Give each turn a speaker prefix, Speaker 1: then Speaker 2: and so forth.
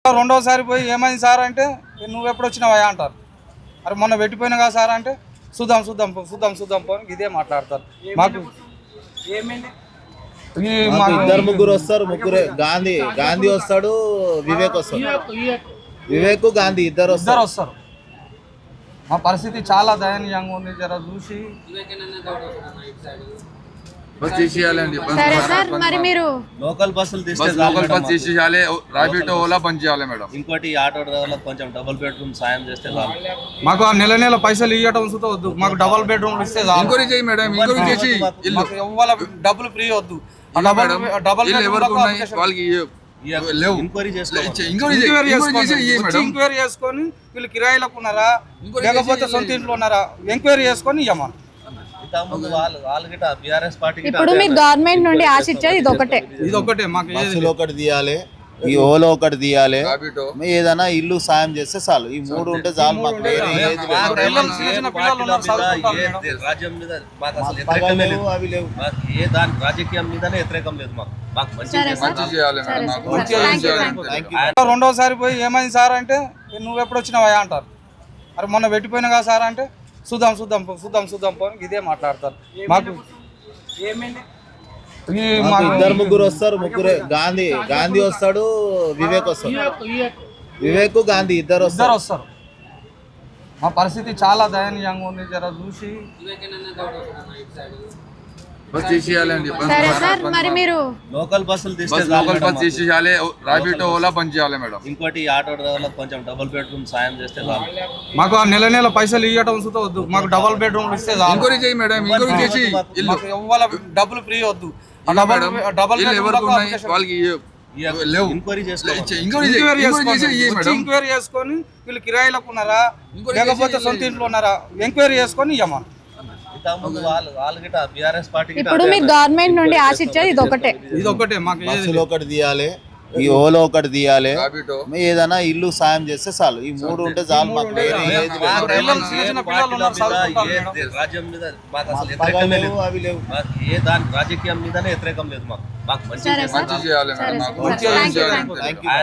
Speaker 1: రెండోసారి పోయి ఏమైంది సార్ అంటే నువ్వు ఎప్పుడు వచ్చినావా అంటారు. అరే మొన్న పెట్టిపోయినా కదా సార్ అంటే చూద్దాం చూద్దాం చూద్దాం చూద్దాం పో ఇదే మాట్లాడతారు. మాకు
Speaker 2: ఇద్దరు ముగ్గురు వస్తారు, ముగ్గురే గాంధీ వస్తాడు, వివేక్ వస్తాడు. వివేక్ గాంధీ ఇద్దరు
Speaker 1: వస్తారు. మా పరిస్థితి చాలా దయనీయంగా ఉంది. జర చూసి
Speaker 3: సరే సార్, మరి మీరు
Speaker 2: లోకల్ బస్సులు
Speaker 4: లోకల్ బస్ తీసేయాలి, రాబిటో ఓలా బంద్ చేయాలి మేడం.
Speaker 2: ఇంకోటి ఆటో డ్రైవర్లకు కొంచెం డబుల్ బెడ్రూమ్ సాయం చేస్తే చాలు.
Speaker 1: మాకు ఆ నెల పైసలు ఇవ్వటం సుతా వద్దు, మాకు డబుల్ బెడ్రూమ్ ఇస్తే చాలు.
Speaker 4: ఎంక్వైరీ చేయి మేడం, ఎంక్వైరీ చేసి
Speaker 1: మాకు ఇవ్వాల డబ్బులు ఫ్రీ వద్దు. డబుల్
Speaker 4: వాళ్ళకి లేవు.
Speaker 2: ఎంక్వైరీ
Speaker 1: ఎంక్వైరీ చేసుకొని వీళ్ళు కిరాయిలకు ఉన్నారా లేకపోతే సొంత ఇంట్లో ఉన్నారా ఎంక్వైరీ చేసుకొని ఇవ్వమని.
Speaker 3: ఇప్పుడు మీరు గవర్నమెంట్ నుండి ఆశించేది
Speaker 1: ఇది ఒకటే మాకు
Speaker 2: ఒకటి తీయాలి, ఈ ఓలో ఒకటి తీయాలి, ఏదైనా ఇల్లు సాయం చేస్తే చాలు. ఈ మూడు ఉంటే చాలు. మాకు రాజ్యం మీద మాకు అసలు వ్యతిరేకమే లేదు, అవి లేవు. ఏ దాని రాజకీయం మీదనే వ్యతిరేకం లేదు మాకు. మాకు
Speaker 1: రెండోసారి పోయి ఏమైంది సార్ అంటే నువ్వు ఎప్పుడు వచ్చినావా అంటారు. అరే మొన్న పెట్టిపోయినా కదా సార్ అంటే చూద్దాం చూద్దాం చూద్దాం చూద్దాం పో ఇదే మాట్లాడతారు. మాకు
Speaker 2: ఇద్దరు ముగ్గురు వస్తారు, ముగ్గురే గాంధీ వస్తాడు, వివేక్ వస్తాడు. వివేక్ గాంధీ ఇద్దరు
Speaker 1: వస్తారు. మా పరిస్థితి చాలా దయనీయంగా ఉంది. జర చూసి
Speaker 3: సరే సార్, మరి మీరు
Speaker 2: లోకల్ బస్సులు
Speaker 4: లోకల్ బస్ తీసేయాలి, రాబిటో ఓలా బంద్ చేయాలి మేడం.
Speaker 2: ఇంకోటి ఆటో డ్రైవర్లకు కొంచెం డబుల్ బెడ్రూమ్ సాయం చేస్తే చాలు.
Speaker 1: మాకు ఆ నెల పైసలు ఇవ్వటం సుతా వద్దు, మాకు డబుల్ బెడ్రూమ్ ఇస్తే చాలు.
Speaker 4: ఎంక్వైరీ చేయి మేడం, ఎంక్వైరీ చేసి
Speaker 1: మాకు ఇవ్వాల డబ్బులు ఫ్రీ వద్దు. డబుల్
Speaker 4: వాళ్ళకి లేవు.
Speaker 1: ఎంక్వైరీ చేసుకొని వీళ్ళు కిరాయిలకు ఉన్నారా లేకపోతే సొంత ఇంట్లో ఉన్నారా ఎంక్వైరీ చేసుకొని ఇవ్వమని.
Speaker 3: ఇప్పుడు మీరు గవర్నమెంట్ నుండి ఆశించేది
Speaker 1: ఇది ఒకటే మాకు
Speaker 2: ఒకటి తీయాలి, ఈ ఓలో ఒకటి తీయాలి, ఏదైనా ఇల్లు సాయం చేస్తే చాలు. ఈ మూడు ఉంటే చాలు. మాకు రాజ్యం మీద మాకు అసలు వ్యతిరేకమే లేదు, అవి లేవు. ఏ దాని రాజకీయం మీదనే వ్యతిరేకం లేదు మాకు. మాకు మంచి